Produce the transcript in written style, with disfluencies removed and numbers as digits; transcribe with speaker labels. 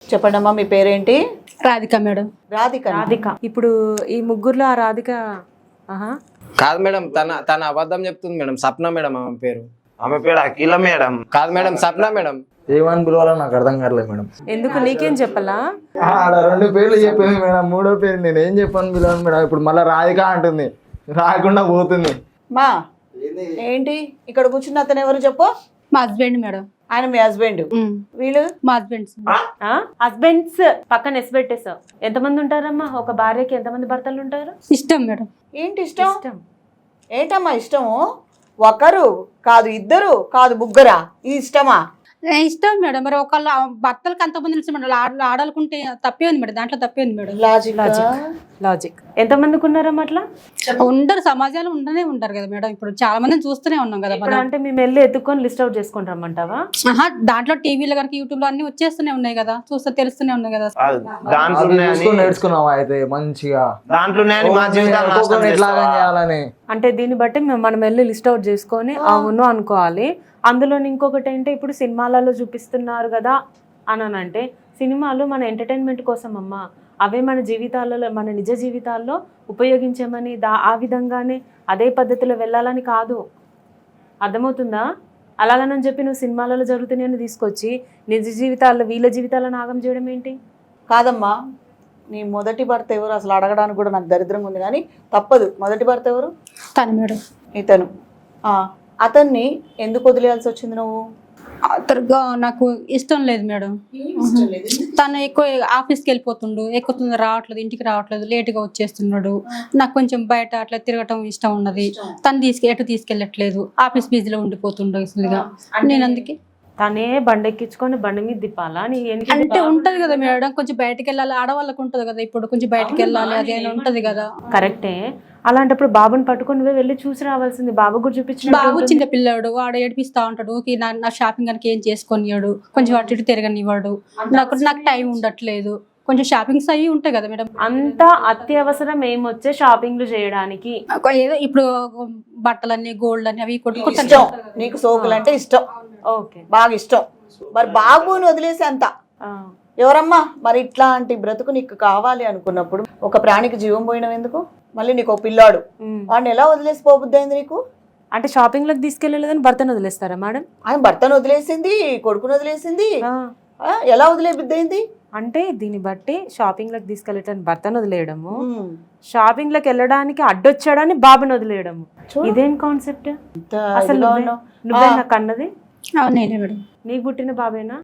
Speaker 1: చెప్పండి అమ్మా, మీ పేరేంటి?
Speaker 2: రాధిక మేడం.
Speaker 1: రాధిక.
Speaker 3: రాధిక. ఇప్పుడు ఈ ముగ్గురులో ఆ రాధిక
Speaker 4: కాదు మేడం, తన అబద్ధం చెప్తుంది మేడం. సప్న మేడం ఆమె పేరు.
Speaker 5: ఆమె పేరు అఖిల మేడం.
Speaker 4: కాదు మేడం, సప్న మేడం.
Speaker 6: ఏమని పిలవాలో నాకు అర్థం కావట్లేదు మేడం.
Speaker 3: ఎందుకు నీకేం చెప్పాలా?
Speaker 6: ఆడ 2 పేర్లు చెప్పేది మేడం, 3వ పేరు నేను ఏం చెప్పాను పిలవను మేడం. ఇప్పుడు మళ్ళీ రాధిక అంటుంది, రాకుండా పోతుంది.
Speaker 1: మా ఏంటి ఇక్కడ కూర్చున్న అతను ఎవరు చెప్పు?
Speaker 2: మా హస్బెండ్ మేడం.
Speaker 1: ఆయన మీ హస్బెండ్? వీళ్ళు
Speaker 2: మా హస్బెండ్స్.
Speaker 3: హస్బెండ్స్ పక్కన ఎస్ పెట్టేసావు. ఎంతమంది ఉంటారమ్మా ఒక భార్యకి? ఎంతమంది భర్తలు ఉంటారు?
Speaker 2: ఇష్టం మేడం.
Speaker 1: ఏంటి ఇష్టం? ఏంటమ్మా ఇష్టము? ఒకరు కాదు, ఇద్దరు కాదు, ముగ్గురా? ఇది ఇష్టమా?
Speaker 2: ఇష్టం మేడం. మరి ఒకళ్ళు భర్తలకు అంతమంది ఇష్టం మేడం. ఆడాలనుకుంటే తప్పే ఉంది మేడం, దాంట్లో తప్పే ఉంది మేడం.
Speaker 3: లాజిక్. ఎంతమందికి ఉన్నారమ్మా అట్లా?
Speaker 2: ఉండరు, సమాజాలు ఉండనే ఉంటారు కదా మేడం. ఇప్పుడు చాలా మందిని చూస్తూనే ఉన్నాం కదా మనం.
Speaker 3: అంటే మేము వెళ్ళి ఎత్తుకొని లిస్ట్ అవుట్ చేసుకొని రమ్మంటావా?
Speaker 2: దాంట్లో టీవీలో కనుక యూట్యూబ్ లో అన్ని వచ్చేస్తూనే ఉన్నాయి కదా, చూస్తే తెలుస్తూనే ఉన్నాయి కదా.
Speaker 6: దాంట్లో నేర్చుకున్నావా అయితే మంచిగా?
Speaker 5: దాంట్లో
Speaker 6: ఎట్లాగా చేయాలని
Speaker 3: అంటే దీన్ని బట్టి మనం వెళ్ళి లిస్ట్ అవుట్ చేసుకొని అవును అనుకోవాలి. అందులో ఇంకొకటి ఏంటంటే ఇప్పుడు సినిమాలలో చూపిస్తున్నారు కదా అని అంటే సినిమాలు మన ఎంటర్టైన్మెంట్ కోసం అమ్మా. అవే మన జీవితాలలో, మన నిజ జీవితాల్లో ఉపయోగించమని ఆ విధంగానే అదే పద్ధతిలో వెళ్ళాలని కాదు. అర్థమవుతుందా? అలాగనని చెప్పి నువ్వు సినిమాలలో జరుగుతున్నాయని తీసుకొచ్చి నిజ జీవితాల్లో వీళ్ళ జీవితాలను ఆగం చేయడం ఏంటి?
Speaker 1: కాదమ్మా, నీ మొదటి భర్త ఎవరు అసలు అడగడానికి కూడా నాకు దరిద్రంగా ఉంది, కానీ తప్పదు. మొదటి భర్త ఎవరు?
Speaker 2: తను మేడం.
Speaker 1: ఇతను. అతన్ని ఎందుకు వదిలేయాల్సి వచ్చింది నువ్వు?
Speaker 2: నాకు ఇష్టం లేదు మేడం. తను ఎక్కువ ఆఫీస్కి వెళ్ళిపోతుండు, ఎక్కువ రావట్లేదు, ఇంటికి రావట్లేదు, లేటుగా వచ్చేస్తున్నాడు. నాకు కొంచెం బయట అట్లా తిరగటం ఇష్టం ఉన్నది. తను ఎటు తీసుకెళ్ళట్లేదు, ఆఫీస్ బిజీలో ఉండిపోతుండు అసలుగా. నేను అందుకే
Speaker 3: తనే బండెక్కించుకొని బండి మీద తిప్పాలా?
Speaker 2: అంటే ఉంటది కదా మేడం, కొంచెం బయటకు వెళ్ళాలి, ఆడవాళ్ళకు ఉంటది కదా. ఇప్పుడు కొంచెం బయటకు వెళ్ళాలి అదే ఉంటది కదా.
Speaker 3: కరెక్టే. అలాంటప్పుడు బాబుని పట్టుకొని నువ్వే వెళ్ళి చూసి రావాల్సింది. బాబు కూడా చూపించిన.
Speaker 2: బాబు చిన్న పిల్లాడు, వాడు ఏడిపిస్తా ఉంటాడు. నా షాపింగ్ కనుక ఏం చేసుకొనియాడు, కొంచెం అటు ఇటు తిరగనివ్వడు. నాకు టైం ఉండట్లేదు. కొంచెం షాపింగ్స్ అయ్యి ఉంటాయి కదా మేడం.
Speaker 3: అంత అత్యవసరం ఏమొచ్చే షాపింగ్లు చేయడానికి?
Speaker 2: ఏదో ఇప్పుడు బట్టలన్నీ గోల్డ్ అని అవి
Speaker 1: ఇష్టం. నీకు సోకులు అంటే ఇష్టం,
Speaker 3: ఓకే,
Speaker 1: బాగా ఇష్టం. మరి బాబుని వదిలేసి అంత ఎవరమ్మా? మరి ఇట్లాంటి బ్రతుకు నీకు కావాలి అనుకున్నప్పుడు ఒక ప్రాణికి జీవం పోయినవి ఎందుకు? మళ్ళీ నీకు ఒక పిల్లాడు, వాడిని ఎలా వదిలేసి పోబుద్ది అయింది నీకు?
Speaker 3: అంటే షాపింగ్ లకు తీసుకెళ్ళలేదని భర్తను వదిలేస్తారా మేడం?
Speaker 1: ఆయన భర్తను వదిలేసింది, కొడుకును వదిలేసింది, ఎలా వదిలే బుద్ధి అయింది?
Speaker 3: అంటే దీన్ని బట్టి షాపింగ్ లకు తీసుకెళ్ళటానికి భర్తను వదిలేయడము, షాపింగ్ లకు వెళ్ళడానికి అడ్డొచ్చాడని బాబుని వదిలేయడము, ఇదేం కాన్సెప్ట్ అసలు? నువ్వే నాకు అన్నది?
Speaker 2: నేనే మేడం.
Speaker 3: నీకు పుట్టిన బాబేనా?